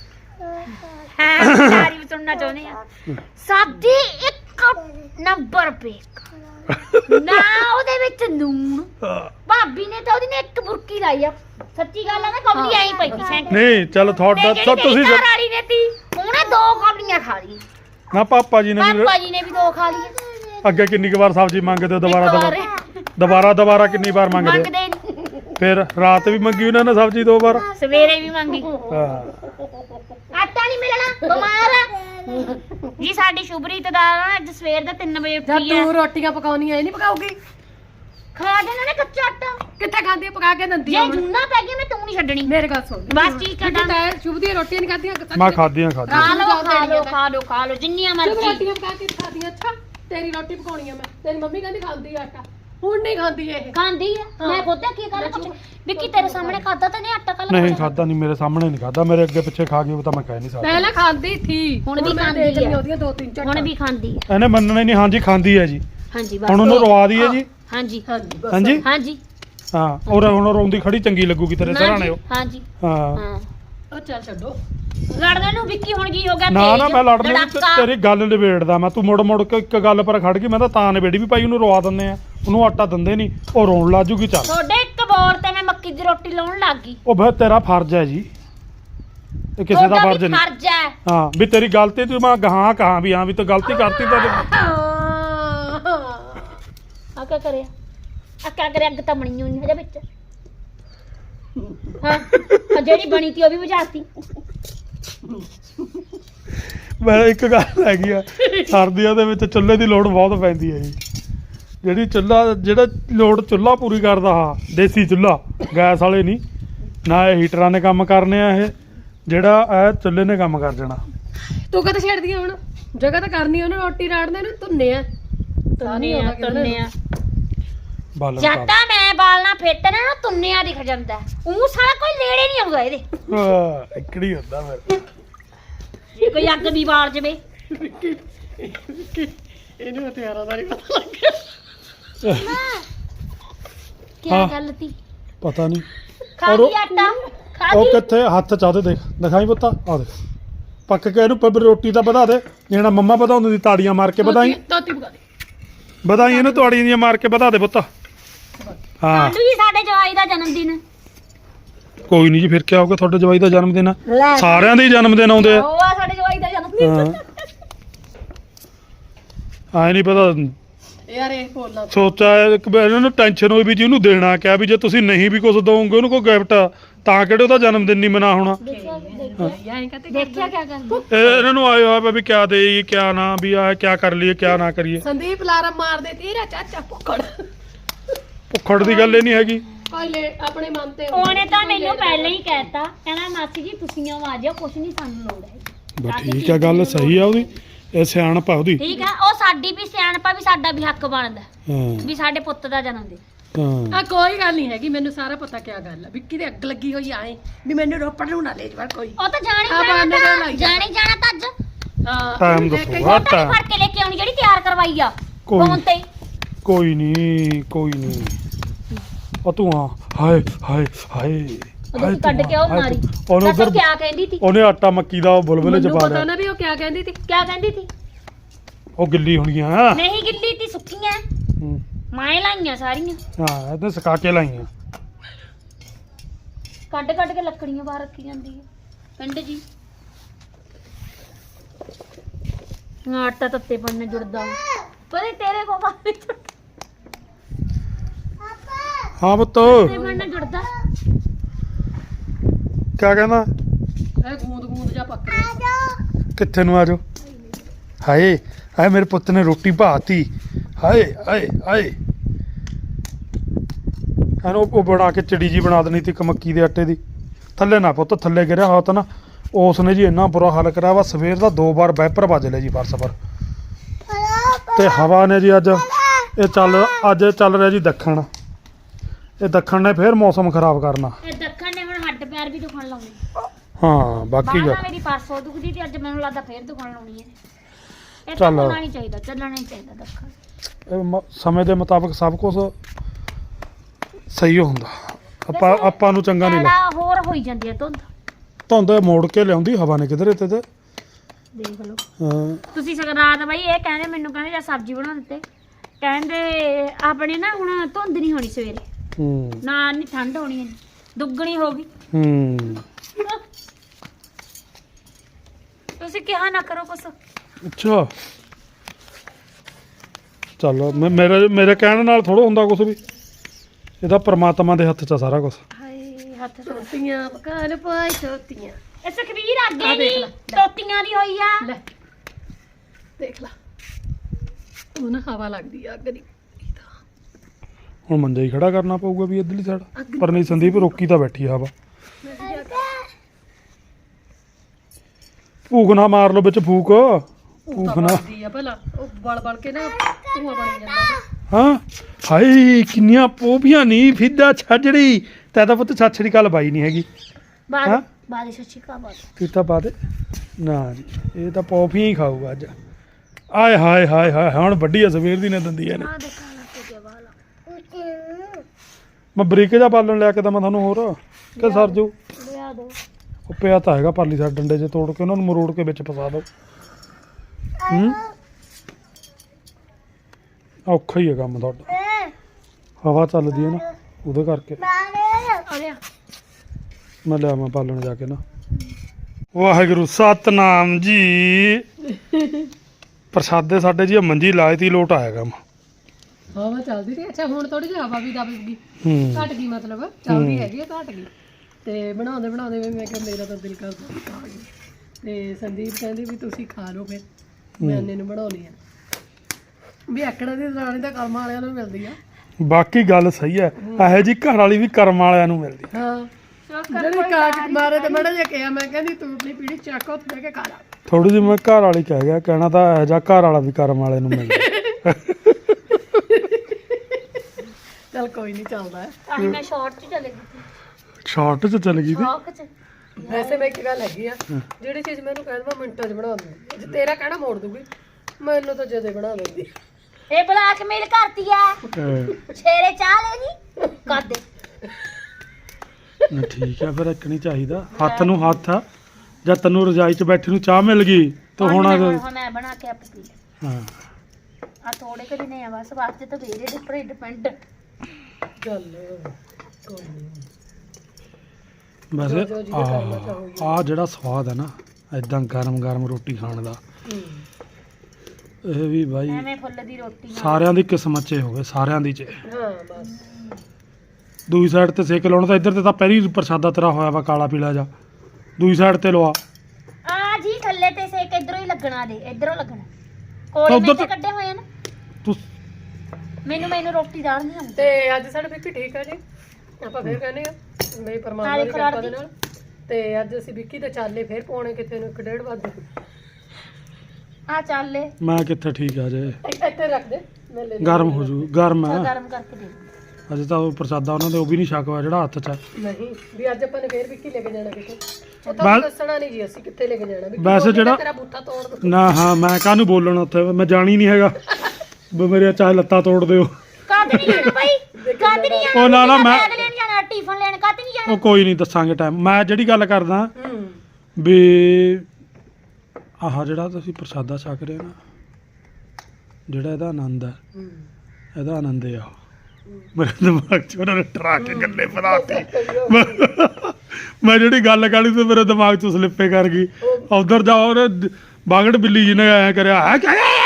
ਹਾਂ ਸਾਰੀ ਵੀ ਸੁਣਨਾ ਚਾਹੁੰਦੇ ਆ। ਸਬਜ਼ੀ ਇੱਕ ਨੰਬਰ ਪੇ ਨਾ ਉਹਦੇ ਵਿੱਚ ਨੂਣ। ਭਾਬੀ ਨੇ ਤਾਂ ਉਹਦੀ ਨੇ ਇੱਕ ਬੁਰਕੀ ਲਾਈ ਆ। ਸੱਚੀ ਗੱਲ ਆ ਨਾ, ਕੌਲੀ ਆਈ ਪਈ ਸੀ ਸੈਂਕ।
ਨਹੀਂ ਚਲੋ ਤੁਹਾਡਾ
ਤਾਂ
ਤੁਸੀਂ
ਘਰ ਵਾਲੀ ਨੇ ਤੀ ਉਹਨੇ 2 ਕੌਲੀਆਂ ਖਾ ਲਈਆਂ।
ਨਾ ਪਾਪਾ ਜੀ ਨੇ ਵੀ
ਪਾਪਾ ਜੀ ਨੇ ਵੀ 2 ਖਾ ਲਈਆਂ।
ਅੱਗੇ ਕਿੰਨੀ ਕੁ ਵਾਰ ਸਬਜ਼ੀ ਮੰਗਦੇ ਹੋ? ਦੁਬਾਰਾ ਕਿੰਨੀ ਵਾਰ ਮੰਗਦੇ
ਮੰਗਦੇ ਨੀ।
ਫਿਰ ਰਾਤ ਵੀ ਮੰਗੀ ਉਹਨਾਂ ਨੇ ਸਬਜ਼ੀ 2 ਵਾਰ।
ਸਵੇਰੇ ਵੀ ਮੰਗੀ।
ਹਾਂ
ਆਟਾ ਨਹੀਂ ਮਿਲਣਾ, ਬਿਮਾਰ ਆ ਜੀ। ਸਾਡੀ ਸ਼ੁਭਰੀਤ ਦਾ ਨਾ ਅੱਜ ਸਵੇਰ ਦਾ 3 ਵਜੇ
ਜਦ
ਉੱਠੀ ਆ।
ਤੂੰ ਰੋਟੀਆਂ ਪਕਾਉਣੀਆਂ ਇਹ ਨਹੀਂ ਪਕਾਉਗੀ।
ਖਾ ਦੇਣਾ ਨੇ ਕੱਚਾ ਆਟਾ।
ਕਿੱਥੇ ਖਾਂਦੀ ਆ? ਪਕਾ ਕੇ ਦਿੰਦੀ
ਜੇ
ਆ।
ਜੁੰਨਾ ਪੈ ਗਿਆ ਮੈਂ ਤੂੰ ਨਹੀਂ ਛੱਡਣੀ।
ਮੇਰੇ ਗੱਲ ਸੁਣ
ਬਸ ਠੀਕ ਆ।
ਤਾਂ ਸ਼ੁਭ ਦੀਆਂ ਰੋਟੀਆਂ ਨਹੀਂ ਖਾਧੀਆਂ।
ਮੈਂ ਖਾਧੀਆਂ
ਖਾ ਲਓ ਖਾ ਲਓ ਜਿੰਨੀਆਂ
ਜਦ
ਮਰਜ਼ੀ।
ਰੋਟੀਆਂ ਪਕਾ ਕੇ ਖਾਧੀਆਂ। ਅੱਛਾ ਤੇਰੀ ਰੋਟੀ ਪਕਾਉਣੀ ਆ ਮੈਂ। ਤੇਰੀ ਮੰਮੀ ਕਹਿੰਦੀ ਖਾਂਦੀ ਆ ਆਟਾ, ਹੁਣ ਨਹੀਂ ਖਾਂਦੀ ਇਹ।
ਖਾਂਦੀ ਆ। ਮੈਂ ਖੋਦਿਆ ਕੀ ਕਰ ਕੁਛ ਵਿੱਕੀ ਤੇਰੇ ਸਾਹਮਣੇ ਖਾਦਾ ਤਾਂ ਨਹੀਂ ਆਟਾ ਕੱਲ।
ਨਹੀਂ ਖਾਦਾ ਨਹੀਂ, ਮੇਰੇ ਸਾਹਮਣੇ ਨਹੀਂ ਖਾਦਾ, ਮੇਰੇ ਅੱਗੇ ਪਿੱਛੇ ਖਾ ਗਈ ਉਹ ਤਾਂ ਮੈਂ ਕਹਿ ਨਹੀਂ ਸਕਦਾ।
ਪਹਿਲਾਂ ਖਾਂਦੀ ਥੀ,
ਹੁਣ ਵੀ
ਮੈਂ
ਖਾਂਦੀ
ਦੇਖ ਲਈ
ਆ।
ਉਹਦੀਆਂ 2-3 ਝਟਕਾਂ।
ਹੁਣ ਵੀ ਖਾਂਦੀ ਆ।
ਇਹਨੇ ਮੰਨਣਾ ਹੀ ਨਹੀਂ। ਹਾਂਜੀ ਖਾਂਦੀ ਹੈ ਜੀ।
ਹਾਂਜੀ ਬਸ
ਹੁਣ ਉਹਨੂੰ ਰਵਾ ਦਈਏ ਜੀ।
ਹਾਂਜੀ
ਹਾਂਜੀ ਬਸ।
ਹਾਂਜੀ
ਹਾਂਜੀ
ਹਾਂ ਔਰ ਹੁਣ ਰੋਂਦੀ ਖੜੀ ਚੰਗੀ ਲੱਗੂਗੀ ਤੇਰੇ ਸਰਾਣੇ ਉਹ।
ਹਾਂਜੀ
ਹਾਂ
ਹਾਂ
ਉਹ ਚੱਲ ਛੱਡੋ।
ਲੜਨ ਨੂੰ ਵਿੱਕੀ ਹੁਣ ਕੀ ਹੋ ਗਿਆ?
ਨਾ
ਤੇਜ਼,
ਮੈਂ ਲੜਨ ਨੂੰ
ਲੜਾਕਾ।
ਤੇਰੀ ਗੱਲ ਨਿਬੇੜਦਾ ਮੈਂ। ਤੂੰ ਮੁੜ ਕੇ ਇੱਕ ਗੱਲ ਪਰ ਖੜ ਗਈ, ਮੈਂ ਤਾਂ ਨਿਬੇੜੀ ਵੀ ਭਾਈ ਉਹਨੂੰ ਰਵਾ ਦਿੰਦੇ ਆ, ਉਹਨੂੰ ਆਟਾ ਦਿੰਦੇ ਨਹੀਂ, ਉਹ ਰੋਣ ਲੱਗ ਜੂਗੀ। ਚੱਲ
ਤੁਹਾਡੇ ਇੱਕ ਬੋਰ ਤੇ ਮੈਂ ਮੱਕੀ ਦੀ ਰੋਟੀ ਲਾਉਣ ਲੱਗ ਗਈ।
ਉਹ ਫਿਰ ਤੇਰਾ ਫਰਜ਼ ਹੈ ਜੀ, ਇਹ ਕਿਸੇ ਦਾ
ਤੁਹਾਡਾ
ਫਰਜ਼
ਵੀ
ਨਹੀਂ।
ਫਰਜ਼ ਹੈ।
ਹਾਂ ਵੀ ਤੇਰੀ ਗਲਤੀ ਤੂੰ ਮੈਂ ਗਾਹਾਂ ਕਹਾਂ ਵੀ ਹਾਂ ਵੀ ਤੂੰ ਗਲਤੀ ਕਰਤੀ ਤਾਂ
ਆ ਕੀ ਕਰਿਆ? ਆ ਕੀ ਕਰਿਆ? ਅੱਗ ਤਾਂ ਬਣੀ ਹੋਈ ਹਜੇ ਵਿੱਚ। ਹਾਂ ਆ ਜਿਹੜੀ ਬਣੀ ਤੀ ਉਹ ਵੀ ਬੁਝਾਤੀ।
ਮੈਂ ਇੱਕ ਗੱਲ ਹੈਗੀ ਆ, ਸਰਦੀਆਂ ਦੇ ਵਿੱਚ ਚੁੱਲ੍ਹੇ ਦੀ ਲੋੜ ਬਹੁਤ ਪੈਂਦੀ ਹੈ ਜੀ। ਜਿਹੜਾ ਚੁੱਲ੍ਹਾ ਪੂਰੀ ਕਰਦਾ ਹਾਂ ਦੇਸੀ ਚੁੱਲ੍ਹਾ, ਗੈਸ ਵਾਲੇ ਨਹੀਂ ਨਾ, ਇਹ ਹੀਟਰਾਂ ਨੇ ਕੰਮ ਕਰਨੇ ਆ, ਇਹ ਜਿਹੜਾ ਇਹ ਚੁੱਲ੍ਹੇ ਨੇ ਕੰਮ ਕਰ ਜਾਣਾ।
ਤੂੰ ਕਦੇ ਛੱਡਦੀ ਆ? ਹੁਣ ਜਗ੍ਹਾ ਤਾਂ ਕਰਨੀ ਉਹਨੂੰ, ਰੋਟੀ ਰਾੜਦੇ ਨੂੰ ਤੁੰਨੇ ਆ
ਤੁੰਨੇ ਆ
ਬਾਲਣ
ਜਾਂਦਾ ਮੈਂ ਬਾਲਣਾ ਫੇਟਣਾ ਨਾ ਤੁੰਨਿਆ ਦਿਖ ਜਾਂਦਾ। ਉਹ ਸਾਰਾ ਕੋਈ ਨੇੜੇ ਨਹੀਂ ਆਉਂਦਾ ਇਹਦੇ।
ਇਕੜੀ ਹੁੰਦਾ ਫਿਰ।
ਜੇ ਕੋਈ ਅੱਗ ਵੀ ਬਾਲ ਜਵੇ।
ਇਹਨੂੰ ਹਥਿਆਰਾਂ ਦਾ ਨਹੀਂ ਪਤਾ ਲੱਗਿਆ।
ਕੀ
ਹਾਂ।
ਗੱਲ ਤੀ?
ਪਤਾ ਨਹੀਂ
ਖਾ
ਔਰ ਉਹ-
ਲਈ ਆਟਾ ਖਾ
ਉਹ
ਲਈ।
ਕਿੱਥੇ ਹੱਥ ਚਾਹਦੇ ਦੇਖ ਦਿਖਾਈ ਪੁੱਤਾ ਆ ਦੇਖ ਪੱਕ ਕੇ ਇਹਨੂੰ ਰੋਟੀ ਤਾਂ ਵਧਾ ਦੇ, ਜਿਹੜਾ ਮੰਮਾ ਵਧਾਉਂਦੀ ਸੀ ਤਾੜੀਆਂ ਮਾਰ ਕੇ ਵਧਾਈ
ਦੋਤੀ ਪਕਾ ਦੇ।
ਵਧਾਈ ਇਹਨੂੰ ਤਾੜੀਆਂ ਦੀਆਂ ਮਾਰ ਕੇ ਵਧਾ ਦੇ ਪੁੱਤ। ਹਾਂ
ਕੱਲ ਵੀ ਸਾਡੇ ਜਵਾਈ ਦਾ ਜਨਮ ਦਿਨ।
ਕੋਈ ਨਹੀਂ ਜੀ, ਫਿਰ ਕੀ ਹੋਊਗਾ, ਤੁਹਾਡੇ ਜਵਾਈ ਦਾ ਜਨਮ ਦਿਨ ਆ, ਸਾਰਿਆਂ ਦੇ ਜਨਮ ਦਿਨ ਆਉਂਦੇ ਆ।
ਉਹ ਆ ਸਾਡੇ ਜਵਾਈ ਦਾ ਜਨਮ ਦਿਨ।
ਹਾਂ ਆਏ ਨਹੀਂ ਪਤਾ
ਯਾਰ ਇਹ ਬੋਲਣਾ
ਸੋਚਿਆ ਇੱਕ ਵਾਰ ਇਹਨਾਂ ਨੂੰ ਟੈਨਸ਼ਨ ਹੋਈ ਵੀ ਜੀ ਉਹਨੂੰ ਦੇਣਾ ਕਿਆ, ਵੀ ਜੇ ਤੁਸੀਂ ਨਹੀਂ ਵੀ ਕੁਝ ਦਵੋਗੇ ਉਹਨੂੰ ਕੋਈ ਗਿਫਟ ਤਾਂ ਕਿਹੜੇ ਉਹਦਾ ਜਨਮ ਦਿਨ ਨਹੀਂ ਮਨਾ ਹੋਣਾ।
ਦੇਖਿਆ
ਦੇਖਿਆ
ਕਿਆ ਕਰਦੇ?
ਇਹਨਾਂ ਨੂੰ ਆਇਆ ਹੋਇਆ ਵੀ ਕਿਆ ਦੇਈਏ ਕਿਆ ਨਾ, ਵੀ ਆ ਕਿਆ ਕਰ ਲਈਏ ਕਿਆ ਨਾ ਕਰੀਏ।
ਸੰਦੀਪ ਲਾਰਾ ਮਾਰ ਦੇ ਤੇਰਾ ਚਾਚਾ ਭੁੱਖੜ।
ਭੁੱਖੜ ਦੀ ਗੱਲ ਹੀ ਨਹੀਂ ਹੈਗੀ।
ਕੋਈ ਲੈ ਆਪਣੇ ਮਨ ਤੇ
ਉਹਨੇ ਤਾਂ ਮੈਨੂੰ ਪਹਿਲਾਂ ਹੀ ਕਹਿਤਾ, ਕਹਿੰਦਾ ਮਾਸੀ ਜੀ ਤੁਸੀਂ ਆ ਜਾਓ, ਕੁਛ ਨਹੀਂ ਸਾਨੂੰ ਲੋੜ ਹੈ।
ਬਸ ਠੀਕ ਆ, ਗੱਲ ਸਹੀ ਆ ਉਹਦੀ। ਇਹ ਸਿਆਣਪ ਆ ਉਹਦੀ।
ਠੀਕ ਆ, ਉਹ ਸਾਡੀ ਵੀ ਸਿਆਣਪਾ ਵੀ ਸਾਡਾ ਵੀ ਹੱਕ ਬਣਦਾ
ਹਾਂ
ਵੀ ਸਾਡੇ ਪੁੱਤ ਦਾ ਜਨਮ ਦੇ।
ਹਾਂ
ਆ ਕੋਈ ਗੱਲ ਨਹੀਂ ਹੈਗੀ, ਮੈਨੂੰ ਸਾਰਾ ਪਤਾ ਕਿਆ ਗੱਲ ਆ। ਵਿੱਕੀ ਦੇ ਅੱਗ ਲੱਗੀ ਹੋਈ ਆਏ ਵੀ ਮੈਨੂੰ ਰੋਪੜ ਨੂੰ ਨਾ ਲੈ ਜਾਵੜ ਕੋਈ।
ਉਹ ਤਾਂ ਜਾਣੀ
ਆ
ਜਾਣਾ
ਬਾਨੇ
ਤਾਂ,
ਨਾਲ ਆਈ
ਜਾਣੀ ਜਾਣਾ ਤਾਂ ਅੱਜ
ਹਾਂ
ਟਾਈਮ
ਲੈ
ਦੱਸੋ
ਕੇ
ਹਾਂ
ਫੋਟੋ
ਟਾਈਮ।
ਫੜ ਕੇ ਲੈ ਕੇ ਆਉਣੀ ਜਿਹੜੀ ਤਿਆਰ ਕਰਵਾਈ ਆ
ਕੋਈ
ਫੋਨ ਤੇ।
ਕੋਈ ਨਹੀਂ ਕੋਈ ਨਹੀਂ। ਉਹ ਤੂੰ ਆ ਹਾਏ ਹਾਏ ਹਾਏ
ਉਹਦੇ ਕੱਢ ਕੇ ਉਹ ਮਾਰੀ।
ਉਹਨੇ
ਦੱਸੋ
ਉਧਰ
ਕਿਆ ਕਹਿੰਦੀ ਸੀ?
ਉਹਨੇ ਆਟਾ ਮੱਕੀ ਦਾ ਉਹ ਬੁਲਬੁਲੇ ਚ
ਮੈਨੂੰ
ਪਾ
ਪਤਾ
ਲਿਆ।
ਨਾ ਵੀ ਉਹ ਕਿਆ ਕਹਿੰਦੀ ਸੀ।
ਕਿਆ ਕਹਿੰਦੀ ਸੀ?
ਉਹ ਗਿੱਲੀ ਹੋਣੀਆਂ।
ਨਹੀਂ ਗਿੱਲੀ ਤੀ, ਸੁੱਕੀਆਂ
ਹੂੰ।
ਮਾਏ ਲਾਈਆਂ ਸਾਰੀਆਂ,
ਹਾਂ ਇਹਦੇ ਸੁਕਾ ਕੇ ਲਾਈਆਂ।
ਕੱਢ ਕੱਢ ਕੇ ਲੱਕੜੀਆਂ ਬਾਹਰ ਰੱਖੀ ਜਾਂਦੀ ਹੈ ਪਿੰਡ ਜੀ। ਆਟਾ ਤੱਤੇ ਪੰਨੇ ਜੁੜਦਾ ਪਰ ਤੇਰੇ ਕੋ ਬਾਹਰ
ਹਾਂ ਪੁੱਤ
ਤੱਤੇ ਪੰਨੇ ਜੁੜਦਾ।
ਕਿਆ ਕਹਿੰਦਾ?
ਇਹ ਗੂੰਦ ਗੂੰਦ ਜਾਂ ਪੱਕ ਰਿਹਾ।
ਕਿੱਥੇ ਨੂੰ ਆ ਜਾਓ? ਹਾਏ ਹਾਏ ਮੇਰੇ ਪੁੱਤ ਨੇ ਰੋਟੀ ਭਾਤੀ। ਹਾਏ ਹਾਏ ਹਾਏ ਇਹਨੂੰ ਉਹ ਬਣਾ ਕੇ ਚਿੜੀ ਜੀ ਬਣਾ ਦੇਣੀ ਤੀ ਇੱਕ ਮੱਕੀ ਦੇ ਆਟੇ ਦੀ। ਥੱਲੇ ਨਾ ਪੁੱਤ, ਥੱਲੇ ਗਿਰਿਆ ਹੋਇਆ ਤਾਂ ਨਾ ਉਸ ਨੇ ਜੀ ਇੰਨਾ ਬੁਰਾ ਹਾਲ ਕਰਿਆ ਵਾ। ਸਵੇਰ ਦਾ 2 ਵਾਰ ਵਾਈਪਰ ਵੱਜ ਲਿਆ ਜੀ ਫਰਸ਼ ਪਰ। ਤੇ ਹਵਾ ਨੇ ਜੀ ਅੱਜ ਅੱਜ ਚੱਲ ਰਿਹਾ ਜੀ ਦੱਖਣ। ਇਹ ਦੱਖਣ ਨੇ ਫੇਰ ਮੌਸਮ ਖਰਾਬ ਕਰਨਾ।
ਇਹ ਦੱਖਣ ਨੇ ਹੁਣ ਹੱਡ ਪੈਰ ਵੀ ਦੁਖਣ ਲਾਉਣੇ।
ਹਾਂ ਬਾਕੀ
ਬਾਹਰ
ਗੱਲ
ਮੇਰੀ ਪਰਸੋਂ ਦੁਖਦੀ ਤੇ ਅੱਜ ਮੈਨੂੰ ਲੱਗਦਾ ਫੇਰ ਦੁਖਣ ਲਾਉਣੀ ਹੈ। ਇਹ ਤਾਂ
ਚੱਲ।
ਹੋਣਾ ਨਹੀਂ ਚਾਹੀਦਾ, ਚੱਲਣਾ ਨਹੀਂ ਚਾਹੀਦਾ ਦੱਖਣ।
ਸਮੇਂ ਦੇ ਮੁਤਾਬਕ ਸਭ ਕੁਝ ਸਹੀ ਹੁੰਦਾ। ਆਪਾਂ ਨੂੰ ਚੰਗਾ ਨਹੀਂ ਲੱਗਦਾ।
ਜ਼ਿਆਦਾ ਹੋਰ ਹੋਈ ਜਾਂਦੀ ਹੈ
ਧੁੰਦ ਮੋੜ ਕੇ ਲਿਆਉਂਦੀ ਹਵਾ ਨੇ ਕਿਧਰੇ ਤੇ
ਦੇਖ ਲਓ
ਹਾਂ।
ਤੁਸੀਂ ਰਾਤ ਬਾਈ ਇਹ ਕਹਿੰਦੇ ਮੈਨੂੰ ਕਹਿੰਦੇ ਜਾਂ ਸਬਜ਼ੀ ਬਣਾ ਦਿੱਤੇ, ਕਹਿੰਦੇ ਆਪਣੇ ਨਾ ਹੁਣ ਧੁੰਦ ਨਹੀਂ ਹੋਣੀ ਸਵੇਰੇ,
ਹੂੰ
ਨਾ ਨਹੀਂ ਠੰਡ ਹੋਣੀ ਹੈ, ਦੁੱਗਣੀ ਹੋ ਗਈ।
ਹੂੰ
ਤੁਸੀਂ ਕਿਹਾ ਨਾ ਕਰੋ ਕੁਛ।
ਅੱਛਾ ਚੱਲ ਮੇਰੇ ਕਹਿਣ ਨਾਲ ਥੋੜਾ ਹੁੰਦਾ ਕੁਝ ਵੀ। ਇਹਦਾ ਪ੍ਰਮਾਤਮਾ ਦੇ ਹੱਥ 'ਚ ਆ ਸਾਰਾ ਕੁਝ।
ਹਾਏ ਹੱਥ
ਛੋਟੀਆਂ ਪਕਾਨ ਪਾਈ ਛੋਟੀਆਂ।
ਇਹ ਸੁਖਵੀਰ ਅੱਗੇ
ਆਹ ਦੇਖ
ਨਹੀਂ
ਲੈ,
ਤੋਤੀਆਂ ਦੀ ਹੋਈ ਆ।
ਲੈ ਦੇਖ ਲਾ, ਉਹ ਨਾ ਹਵਾ ਲੱਗਦੀ ਆ ਅੱਗ ਦੀ।
ਹੁਣ ਮੰਜਾ ਹੀ ਖੜਾ ਕਰਨਾ ਪਊਗਾ ਵੀ ਇੱਧਰਲੀ ਸਾਈਡ। ਪਰ ਨਹੀਂ ਸੰਦੀਪ ਰੋਕੀ ਤਾਂ ਬੈਠੀ ਆ ਹਵਾ। ਫੂਕ ਨਾ ਮਾਰ ਲਓ ਵਿੱਚ ਫੂਕ। ਫੂਕ ਨਾ।
ਆ ਭਲਾ ਉਹ ਬਲ ਕੇ ਨਾ ਧੂਆਂ ਬਣੀ ਜਾਂਦਾ।
ਹਾਂ ਹਾਏ ਕਿੰਨੀਆਂ ਪੋਭੀਆਂ ਨਹੀਂ ਫਿੱਦਾ ਛੱਜੜੀ। ਤੈ ਤਾਂ ਪੁੱਤ ਸਤਿ ਸ੍ਰੀ ਅਕਾਲ ਬਾਈ ਨਹੀਂ ਹੈਗੀ। ਹਾਂ?
ਬਾਦ ਬਾਦ ਸੱਚੀ ਕਾ ਬਾਦ।
ਕੀਤਾ ਪਾ ਦੇ ਨਾ ਜੀ। ਇਹ ਤਾਂ ਪੋਫੀਆਂ ਹੀ ਖਾਊਗਾ ਅੱਜ। ਆਏ ਹਾਏ ਹਾਏ ਹਾਏ ਹੁਣ ਵੱਡੀ ਆ ਸਵੇਰ ਦੀ ਨੇ ਦੰਦੀ ਨੇ।
ਆ ਦੇਖਾ ਨਾ ਤੇ ਵਾਲਾ
ਮੈਂ ਬਰੀਕ ਜਿਹਾ ਬਾਲਣ ਲਿਆ ਕੇ ਤਾਂ ਮੈਂ ਤੁਹਾਨੂੰ ਹੋਰ ਕਿ ਸਰ ਜੂ
ਲਿਆ ਦੋ।
ਉਹ ਪਿਆ ਤਾਂ ਹੈਗਾ ਪਰਲੀ ਸਾਈਡ ਡੰਡੇ 'ਚ ਤੋੜ ਕੇ ਉਹਨਾਂ ਨੂੰ ਮਰੋੜ ਕੇ ਵਿੱਚ ਫਸਾ ਦਿਓ। ਹੂੰ ਔਖਾ ਹੀ ਹੈ ਕੰਮ ਤੁਹਾਡਾ। ਹਵਾ ਚੱਲਦੀ ਹੈ ਨਾ ਉਹਦੇ ਕਰਕੇ।
ਅਰੇ
ਮੈਂ ਲਿਆ ਮੈਂ ਪਾਲਣ ਜਾ ਕੇ ਨਾ। ਵਾਹਿਗੁਰੂ ਸਤਨਾਮ ਜੀ। ਪ੍ਰਸਾਦੇ ਸਾਡੇ ਜੀ ਮੰਜੀ ਲਾਏ ਤੀ ਲੋਟ ਆਇਆ ਕੰਮ।
ਹਵਾ ਚੱਲਦੀ ਸੀ। ਅੱਛਾ ਹੁਣ ਥੋੜੀ ਜਿਹੀ ਹਵਾ ਵੀ ਦਬ ਗਈ,
ਹੂੰ
ਘਟ ਗਈ, ਮਤਲਬ ਚੱਲਦੀ ਹੈਗੀ ਆ, ਘਟ ਗਈ। ਤੇ ਬਣਾਉਂਦੇ ਬਣਾਉਂਦੇ ਵੀ ਮੈਂ ਕਿਹਾ ਮੇਰਾ ਤਾਂ ਦਿਲ ਕਰਦਾ ਖਾ ਲਈ। ਤੇ ਸੰਦੀਪ ਕਹਿੰਦੀ ਵੀ ਤੁਸੀਂ ਖਾ ਲਓ, ਫਿਰ ਮੈਂ ਅੰਨੇ ਨੂੰ ਬਣਾਉਣੀ ਆ। ਵੀ ਆਕੜਾ ਦੀ ਦਰਾਣੀ ਤਾਂ ਕਰਮ ਵਾਲਿਆਂ ਨੂੰ ਮਿਲਦੀ ਆ।
ਬਾਕੀ ਗੱਲ ਸਹੀ ਹੈ। ਇਹੋ ਜੀ ਘਰ ਵਾਲੀ ਵੀ ਕਰਮ ਵਾਲਿਆਂ ਨੂੰ ਮਿਲਦੀ।
ਹਾਂ ਜਿਹੜੀ ਕਾਕ ਮਾਰੇ ਤੇ ਮੜਾ ਜਿਹਾ ਕਿਹਾ, ਮੈਂ ਕਹਿੰਦੀ ਤੂੰ ਆਪਣੀ ਪੀੜੀ ਚੱਕ ਉੱਥੇ ਬਹਿ ਕੇ ਖਾ ਲਾ।
ਥੋੜੀ ਜਿਹੀ ਮੈਂ ਘਰ ਵਾਲੀ ਕਹਿ ਗਿਆ, ਕਹਿਣਾ ਤਾਂ ਇਹੋ ਜਿਹਾ ਘਰ ਵਾਲਾ ਵੀ ਕਰਮ ਵਾਲੇ ਨੂੰ ਮਿਲਦਾ।
ਚੱਲ ਕੋਈ ਨਹੀਂ, ਚੱਲਦਾ ਹੈ।
ਤਾਂ ਹੀ ਮੈਂ ਸ਼ਾਰਟ 'ਚ ਚਲੇ ਗਈ
ਸ਼ਾਰਟ 'ਚ ਚੱਲ ਗਈ ਤੀ।
ਸ਼ੌਕ 'ਚ।
ਵੈਸੇ ਮੈਂ ਇੱਕ ਗੱਲ ਹੈਗੀ ਆ, ਜਿਹੜੀ ਚੀਜ਼ ਮੈਨੂੰ ਕਹਿੰਦਾ ਮੈਂ ਮਿੰਟਾਂ 'ਚ ਬਣਾ ਦੂੰਗੀ। ਜੇ ਤੇਰਾ ਕਹਿਣਾ ਮੋੜ ਦੂੰਗੀ, ਮੈਨੂੰ ਤਾਂ ਜਦੇ ਬਣਾ ਦਿੰਦੀ।
ਇਹ ਬਲਾਕ ਮੇਲ ਕਰਤੀ ਆ। ਛੇਰੇ ਚਾਹ ਲੈ ਜੀ ਕਰ ਦੇ।
ਨਾ ਠੀਕ ਹੈ ਫਿਰ ਇੱਕ ਨਹੀਂ ਚਾਹੀਦਾ। ਹੱਥ ਨੂੰ ਹੱਥ ਆ। ਜਦ ਤੈਨੂੰ ਰਜਾਈ 'ਚ ਬੈਠੀ ਨੂੰ ਚਾਹ ਮਿਲ ਗਈ ਤਾਂ ਹੁਣ
ਹੁਣ ਮੈਂ ਬਣਾ ਕੇ ਆਪ ਪੀ ਲੈ।
ਹਾਂ
ਆ ਥੋੜੇ ਕਦੀ ਨੇ ਆ ਬਸ ਵਾਸਤੇ ਤਾਂ ਵੇਰੇ ਦੇ ਉੱਪਰ ਡਿਪੈਂਡ।
ਚੱਲ ਕੋਈ ਨਹੀਂ।
ਵੈਸੇ
ਜੋ ਜਿਹਨੇ ਕਰਨਾ ਚਾਹੋਗੇ।
ਆ ਜਿਹੜਾ ਸਵਾਦ ਹੈ ਨਾ ਐਦਾਂ ਗਰਮ ਗਰਮ ਰੋਟੀ ਖਾਣ ਦਾ, ਇਹ ਵੀ ਬਾਈ
ਐਵੇਂ ਫੁੱਲ ਦੀ ਰੋਟੀ ਨਾਲ।
ਸਾਰਿਆਂ ਦੀ ਕਿਸਮਤ 'ਚ ਹੋਵੇ, ਸਾਰਿਆਂ ਦੀ 'ਚ।
ਹਾਂ ਬਸ
ਦੂਜੀ ਸਾਈਡ ਤੇ ਸੇਕ ਲਾਉਣਾ ਤਾਂ ਇੱਧਰ ਤੇ ਤਾਂ ਪਹਿਲੀ ਪ੍ਰਸ਼ਾਦਾ ਤੇਰਾ ਹੋਇਆ ਵਾ ਕਾਲਾ ਪੀਲਾ ਜਾ। ਦੂਜੀ ਸਾਈਡ ਤੇ ਲਵਾ
ਆ ਜੀ ਥੱਲੇ ਤੇ ਸੇਕ ਇਧਰੋਂ ਹੀ ਲੱਗਣਾ ਦੇ, ਇਧਰੋਂ ਲੱਗਣਾ। ਕੋਲੇ
ਉੱਧਰ
ਮੈਂ ਕੱਢੇ ਹੋਏ ਆ ਨਾ।
ਤੂੰ।
ਮੈਨੂੰ ਰੋਟੀ ਦਾਲ ਨਹੀਂ ਆਉਂਦੀ।
ਤੇ ਅੱਜ ਸਾਡੇ ਵਿੱਕੀ ਠੀਕ ਹੈ ਜੀ। ਆਪਾਂ ਫੇਰ ਕਹਿੰਦੇ ਆ ਬਈ ਪਰਮਾਤਮਾ ਦੀ ਕਿਰਪਾ ਦੇ ਨਾਲ। ਤੇ ਅੱਜ ਅਸੀਂ ਵਿੱਕੀ ਦੇ ਚਾਲੇ ਫੇਰ ਪਾਉਣੇ ਕਿਤੇ ਨੂੰ 1:30 ਵਜੇ।
ਆ ਚੱਲ ਲੈ
ਮੈਂ ਕਿੱਥੇ ਠੀਕ ਆ ਜੇ
ਇੱਥੇ ਰੱਖ ਦੇ ਮੈਂ ਲੈ
ਗਰਮ ਹੋ ਜੂ ਗਰਮ ਹੈ
ਗਰਮ ਕਰਕੇ ਦੇ
ਅਜੇ ਤਾਂ ਉਹ ਪ੍ਰਸਾਦਾ ਉਹਨਾਂ ਦੇ ਉਹ ਵੀ ਨਹੀਂ ਛਕਵਾ ਜਿਹੜਾ ਹੱਥ 'ਚ ਹੈ।
ਨਹੀਂ ਵੀ ਅੱਜ ਆਪਾਂ ਨੇ ਫੇਰ ਵਿੱਕੀ ਲੈ ਕੇ ਜਾਣਾ ਕਿਤੇ ਉਹ ਤਾਂ
ਬਸ-
ਦੱਸਣਾ ਨਹੀਂ ਜੀ ਅਸੀਂ ਕਿੱਥੇ ਲੈ ਕੇ ਜਾਣਾ ਵੀ
ਵੈਸੇ ਜਿਹੜਾ-
ਤੇਰਾ ਬੂਥਾ ਤੋੜ ਦੋ
ਨਾ ਹਾਂ ਮੈਂ ਕਾਹਨੂੰ ਬੋਲਣਾ ਉੱਥੇ ਮੈਂ ਜਾਣੀ ਨਹੀਂ ਹੈਗਾ ਵੀ ਮੇਰੇ ਚਾਹੇ ਲੱਤਾਂ ਤੋੜ ਦਿਓ
ਕਾਹਤੇ ਨਹੀਂ ਜਾਣਾ ਬਾਈ ਕਾਹਤੇ ਨਹੀਂ ਜਾਣਾ
ਉਹ ਨਾ ਨਾ ਮੈਂ
ਬੈਗ ਲੈਣ ਜਾਣਾ ਟਿਫਨ ਲੈਣ ਕਾਹਤੇ ਨਹੀਂ ਜਾਣਾ
ਉਹ ਕੋਈ ਨਹੀਂ ਦੱਸਾਂਗੇ ਟਾਈਮ ਮੈਂ ਜਿਹੜੀ ਗੱਲ ਕਰਦਾ
ਹੂੰ
ਵੀ ਆਹ ਜਿਹੜਾ ਤੁਸੀਂ ਪ੍ਰਸਾਦਾ ਛਕ ਰਹੇ ਹੋ ਨਾ ਜਿਹੜਾ ਇਹਦਾ ਆਨੰਦ ਹੈ
ਹੂੰ
ਇਹਦਾ ਆਨੰਦ ਆ ਮੇਰੇ ਦਿਮਾਗ 'ਚ ਉਹਨਾਂ ਨੇ ਟਰਾ ਕੇ ਗੱਲੇ ਬਣਾਤੀ ਮੈਂ ਜਿਹੜੀ ਗੱਲ ਕਰੀ ਤੇ ਮੇਰੇ ਦਿਮਾਗ 'ਚ ਸਲਿੱਪੇ ਕਰ ਗਈ ਉਧਰ ਜਾ ਉਹਨੇ ਬਾਗੜ ਬਿੱਲੀ ਜੀ ਨੇ ਐ ਕਰਿਆ ਹੈ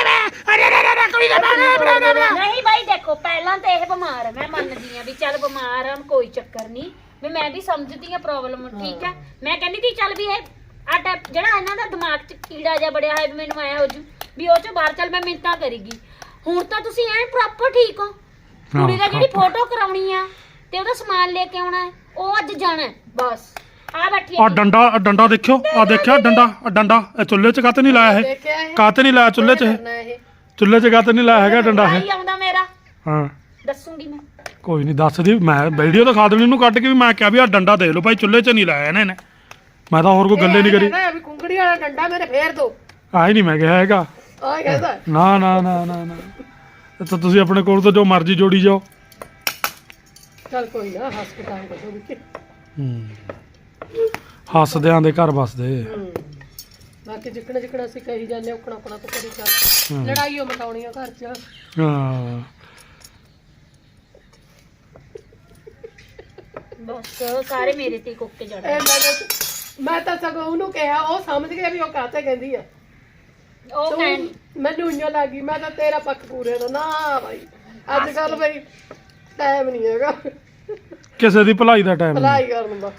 ਨਹੀਂ ਬਾਈ ਦੇਖੋ ਪਹਿਲਾਂ ਤਾਂ ਇਹ ਬਿਮਾਰ ਹੈ ਮੈਂ ਮੰਨਦੀ ਆ ਵੀ ਚੱਲ ਬਿਮਾਰ ਆ ਕੋਈ ਚੱਕਰ ਨਹੀਂ ਵੀ ਮੈਂ ਵੀ ਸਮਝਦੀ ਆ ਪ੍ਰੋਬਲਮ ਠੀਕ ਹੈ ਮੈਂ ਕਹਿੰਦੀ ਸੀ ਚੱਲ ਵੀ ਇਹ ਆ ਜਿਹੜਾ ਇਹਨਾਂ ਦਾ ਦਿਮਾਗ 'ਚ ਕੀੜਾ ਜਿਹਾ ਬੜਿਆ ਹੋਇਆ ਵੀ ਮੈਨੂੰ ਆਇਆ ਹੋ ਜੂ ਵੀ ਉਹ 'ਚ ਬਾਹਰ ਚੱਲ ਮੈਂ ਮਿੰਤਾਂ ਕਰੀਗੀ ਹੁਣ ਤਾਂ ਤੁਸੀਂ ਐਨ ਪ੍ਰੋਪਰ ਠੀਕ ਹੋ ਕੁੜੀ ਦਾ ਜਿਹੜੀ ਫੋਟੋ ਕਰਾਉਣੀ ਆ ਤੇ ਉਹਦਾ ਸਮਾਨ ਲੈ ਕੇ ਆਉਣਾ ਹੈ, ਉਹ ਅੱਜ ਜਾਣਾ ਹੈ, ਬਸ ਆ ਬੈਠੀ
ਆ ਡੰਡਾ ਦੇਖਿਓ ਆ ਦੇਖਿਆ ਡੰਡਾ ਇਹ ਚੁੱਲ੍ਹੇ 'ਚ ਕਾਤੇ ਨਹੀਂ ਲਾਇਆ ਇਹ
ਦੇਖਿਆ ਇਹ
ਕਾਤੇ ਨਹੀਂ ਲਾਇਆ ਚੁੱਲ੍ਹੇ 'ਚ ਇਹ?
ਕਰਨਾ ਇਹ
ਚੁੱਲ੍ਹੇ 'ਚ ਕਾਤੇ ਨਹੀਂ ਲਾਇਆ ਹੈਗਾ ਡੰਡਾ ਇਹ
ਭਾਈ ਆਉਂਦਾ ਮੇਰਾ
ਹਾਂ
ਦੱਸੂਗੀ ਮੈਂ
ਕੋਈ ਨਹੀਂ ਦੱਸਦੀ ਮੈਂ ਵੀਡੀਓ ਦਿਖਾ ਦੇਣੀ ਉਹਨੂੰ ਕੱਢ ਕੇ ਵੀ ਮੈਂ ਕਿਹਾ ਵੀ ਆ ਡੰਡਾ ਦੇਖ ਲਓ ਭਾਈ ਚੁੱਲ੍ਹੇ 'ਚ ਨਹੀਂ ਲਾਇਆ ਇਹਨੇ ਮੈਂ ਤਾਂ ਹੋਰ ਕੋਈ ਗੱਲੇ ਨਹੀਂ ਕਰੀ
ਕਹਿੰਦਾ ਵੀ ਕੁੰਗੜੀ ਵਾਲਾ ਡੰਡਾ ਮੇਰੇ ਫੇਰ ਦੋ
ਆਹ ਹੀ ਨਹੀਂ ਮੈਂ ਕਿਹਾ ਹੈਗਾ
ਆ ਕਹਿੰਦਾ
ਨਾ ਨਾ ਨਾ ਨਾ ਨਾ ਇਹ ਤਾਂ ਤੁਸੀਂ ਆਪਣੇ ਕੋਲ ਤੋਂ ਜੋ ਮਰਜ਼ੀ ਜੋੜੀ ਜਾਓ
ਚੱਲ ਕੋਈ ਨਾ ਹਸਪਤਾਲ ਕੋਲ ਵੀ
ਹੱਸਦਿਆਂ ਦੇ ਘਰ ਵਸਦੇ
ਬਾਕੀ ਜਿੱਕਣਾ ਜਿੱਕਣਾ ਅਸੀਂ ਕਹੀ ਜਾਂਦੇ ਉਕਣਾ ਉਕਣਾ ਤੋਂ ਕਰੀ ਚੱਲ ਲੜਾਈਓ ਮਟਾਉਣੀਆਂ ਘਰ 'ਚ
ਹਾਂ
ਬਸ ਸਾਰੇ ਮੇਰੇ ਤੇ ਕੁੱਕੇ ਜੜ
ਇਹ ਮੈਂ ਤਾਂ ਸਗੋਂ ਉਹਨੂੰ ਕਿਹਾ ਉਹ ਸਮਝ ਗਿਆ ਵੀ ਉਹ ਕਾਹਤੇ ਕਹਿੰਦੀ ਆ
ਉਹ ਕਹਿਣ
ਮੈਨੂੰ ਇੰਨਾ ਲੱਗੀ ਮੈਂ ਤਾਂ ਤੇਰਾ ਪੱਖ ਪੂਰੇ ਦਾ ਨਾ ਭਾਈ ਅੱਜ ਕੱਲ ਬਈ ਟਾਈਮ ਨਹੀਂ ਹੈਗਾ
ਕਿਸੇ ਦੀ ਭਲਾਈ ਦਾ ਟਾਈਮ ਨਹੀਂ
ਭਲਾਈ ਕਰਨ ਦਾ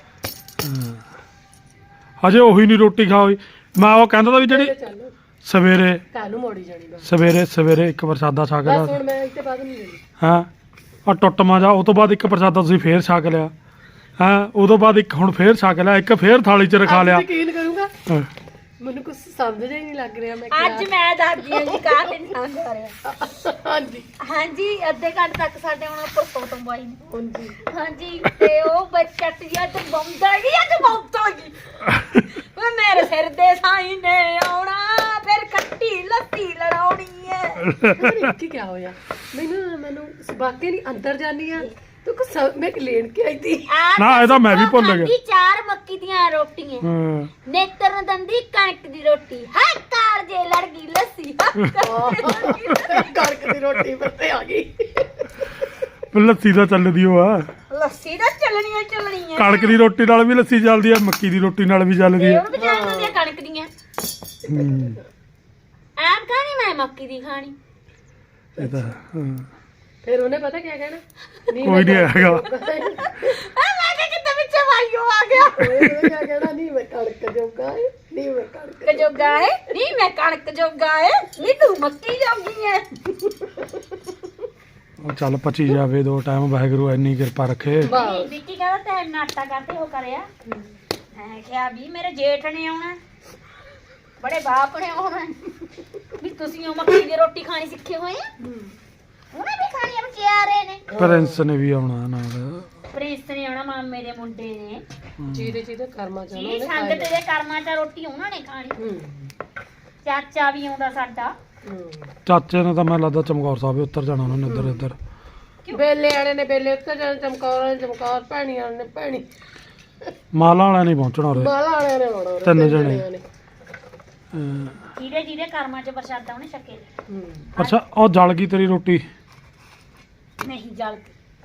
ਹਜੇ ਉਹੀ ਨਹੀਂ ਰੋਟੀ ਖਾਓਈ ਮੈਂ ਉਹ ਕਹਿੰਦਾ ਤਾਂ ਵੀ ਜਿਹੜੀ
ਚੱਲ
ਸਵੇਰੇ
ਕੱਲ ਨੂੰ ਮੋੜੀ ਜਾਣੀ ਬਸ
ਸਵੇਰੇ ਇੱਕ ਪ੍ਰਸਾਦਾ ਛਕ ਲਿਆ
ਬਸ ਹੁਣ ਮੈਂ ਇੱਥੇ ਬਾਅਦ ਨਹੀਂ ਲੈਣੀ
ਹਾਂ ਆ ਟੁੱਟਮਾ ਜਾ ਉਹ ਤੋਂ ਬਾਅਦ ਇੱਕ ਪ੍ਰਸਾਦਾ ਤੁਸੀਂ ਫੇਰ ਛਕ ਲਿਆ ਹਾਂ ਉਦੋਂ ਬਾਅਦ ਇੱਕ ਹੁਣ ਫੇਰ ਛਕ ਲਿਆ ਇੱਕ ਫੇਰ ਥਾਲੀ 'ਚ ਰਖਾ ਲਿਆ
ਯਕੀਨ ਕਰੂੰਗਾ
ਹਾਂ।
ਮੈਨੂੰ ਕੁਝ ਸਮਝ ਹੀ ਨਹੀਂ ਲੱਗ ਰਿਹਾ ਮੈਂ
ਅੱਜ ਮੈਂ ਦੱਸਦੀ ਹਾਂ ਜੀ ਕਾਹ ਤੇ ਨਹੀਂ ਸਮਝ ਆ ਰਿਹਾ
ਹਾਂਜੀ
ਹਾਂਜੀ ਅੱਧੇ ਘੰਟੇ ਤੱਕ ਸਾਡੇ ਹੁਣ ਉੱਪਰ ਫੋਟੋ ਪਾਈ ਨੇ
ਹਾਂਜੀ
ਹਾਂਜੀ ਤੇ ਉਹ ਬੱਚਟ ਜਿਹਾ ਤੇ ਬੰਦਾ ਗਈ ਅੱਜ ਬੰਦਾ ਗਈ ਵੇ ਮੇਰੇ ਸਿਰ ਦੇ ਸਾਈ ਨੇ ਆਉਣਾ ਫਿਰ ਖੱਟੀ ਲੱਸੀ ਲੜਾਉਣੀ ਹੈ
ਕੀ ਕਿਆ ਹੋਇਆ ਮੈਨੂੰ ਬਾਕੀ ਨਹੀਂ ਅੰਦਰ ਜਾਨੀ ਆ ਤੂੰ ਕੁਛ ਮੈਂ ਲੈਣ ਕੇ ਆਈ ਥੀ
ਨਾ, ਇਹਦਾ ਮੈਂ ਵੀ ਭੁੱਲ ਗਿਆ।
ਖਾਧੀ 4 ਮੱਕੀ ਦੀਆਂ ਰੋਟੀਆਂ
ਹਾਂ
ਨੇਤਰ ਦੰਦੀ ਕਣਕ ਦੀ ਰੋਟੀ ਹਾਂ ਕਾਰ ਜੇ ਲੜ ਗਈ ਲੱਸੀ
ਕਣਕ ਦੀ ਰੋਟੀ ਪੱਤੇ ਆ ਗਈ
ਲੱਸੀ ਤਾਂ ਚੱਲਦੀ ਉਹ ਆ
ਲੱਸੀ ਤਾਂ ਚੱਲਣੀ ਹੈ
ਕਣਕ ਦੀ ਰੋਟੀ ਨਾਲ ਵੀ ਲੱਸੀ ਚੱਲਦੀ ਆ ਮੱਕੀ ਦੀ ਰੋਟੀ ਨਾਲ ਵੀ ਚੱਲਦੀ
ਤੇ
ਆ
ਉਹ ਵੀ ਜਾਂਦੀਆਂ ਕਣਕ ਦੀਆਂ ਆਪ ਖਾਣੀ ਮੈਂ ਮੱਕੀ ਦੀ ਖਾਣੀ
ਇਹ ਤਾਂ ਹਾਂ।
ਫਿਰ ਉਹਨੇ ਪਤਾ ਕੀ ਕਹਿਣਾ
ਕੋਈ ਨਹੀਂ ਹੈਗਾ
ਆ ਮੈਂ ਕਿ ਕਿਤੇ ਵਿੱਚ ਵਾਈਓ ਆ ਗਿਆ
ਉਹਨੇ ਕੀ ਕਹਿਣਾ ਨਹੀਂ ਮੈਂ ਕਣਕ ਜੋਗਾ ਹੈ ਨਹੀਂ ਮੈਂ ਕਣਕ
ਜੋਗਾ ਹੈ ਨਹੀਂ ਮੈਂ ਕਣਕ ਜੋਗਾ ਹੈ ਨਹੀਂ ਤੂੰ ਮੱਕੀ ਜੋਗੀ ਹੈ
ਉਹ ਚੱਲ ਪਚੀ ਜਾਵੇ ਦੋ ਟਾਈਮ ਵਾਹਿਗੁਰੂ ਇੰਨੀ ਕਿਰਪਾ ਰੱਖੇ
ਵਾਹ
ਵਿੱਕੀ ਕਹਿੰਦਾ ਤੇ ਨਾਟਾ ਕਰਦੇ ਹੋ ਕਰਿਆ ਮੈਂ ਕਿਹਾ ਵੀ ਮੇਰੇ ਜੇਠ ਨੇ ਆਉਣਾ ਬੜੇ ਬਾਪ ਨੇ ਆਉਣਾ ਵੀ ਤੁਸੀਂ ਉਹ ਮੱਕੀ ਦੀ ਰੋਟੀ ਖਾਣੀ ਸਿੱਖੇ ਹੋਏ ਆ ਉਹਨੇ ਵੀ ਖਾਣੀ ਆ ਵਿਚਾਰੇ ਨੇ
ਪ੍ਰਿੰਸ ਨੇ ਵੀ ਆਉਣਾ ਨਾਲ
ਪ੍ਰਿੰਸ ਨੇ ਆਉਣਾ ਮਾਮੇ ਦੇ ਮੁੰਡੇ ਨੇ
ਜਿਹਦੇ ਕਰਮਾ ਚਾਹਣਾ
ਜੀ ਸੰਗਤ ਦੇ ਕਰਮਾਂ ਚ ਰੋਟੀ ਉਹਨਾਂ ਨੇ ਖਾਣੀ ਚਾਚਾ ਵੀ ਆਉਂਦਾ ਸਾਡਾ
ਚਾਚੇ ਨੇ ਤਾਂ ਮੈਨੂੰ ਲੱਗਦਾ ਚਮਕੌਰ ਸਾਹਿਬ ਉੱਤਰ ਜਾਣਾ ਉਹਨਾਂ ਨੇ ਇੱਧਰ
ਬੇਲੇ ਵਾਲੇ ਨੇ ਬੇਲੇ ਉੱਤੇ ਜਾਣ ਚਮਕੌਰ ਭੈਣੀ ਵਾਲੇ ਨੇ ਭੈਣੀ
ਮਾਲਾ ਵਾਲਿਆਂ ਨਹੀਂ ਪਹੁੰਚਣਾ ਉਰੇ
ਮਾਲਾ ਵਾਲਿਆਂ ਨੇ ਆਉਣਾ
ਤਿੰਨ ਜਣੇ
ਜਿਹਦੇ ਕਰਮਾਂ ਚ ਪ੍ਰਸ਼ਾਦਾ ਉਹਨੇ ਛਕੇ
ਅੱਛਾ ਉਹ ਜਲ ਗਈ ਤੇਰੀ ਰੋਟੀ
ਨਹੀਂ ਜਲ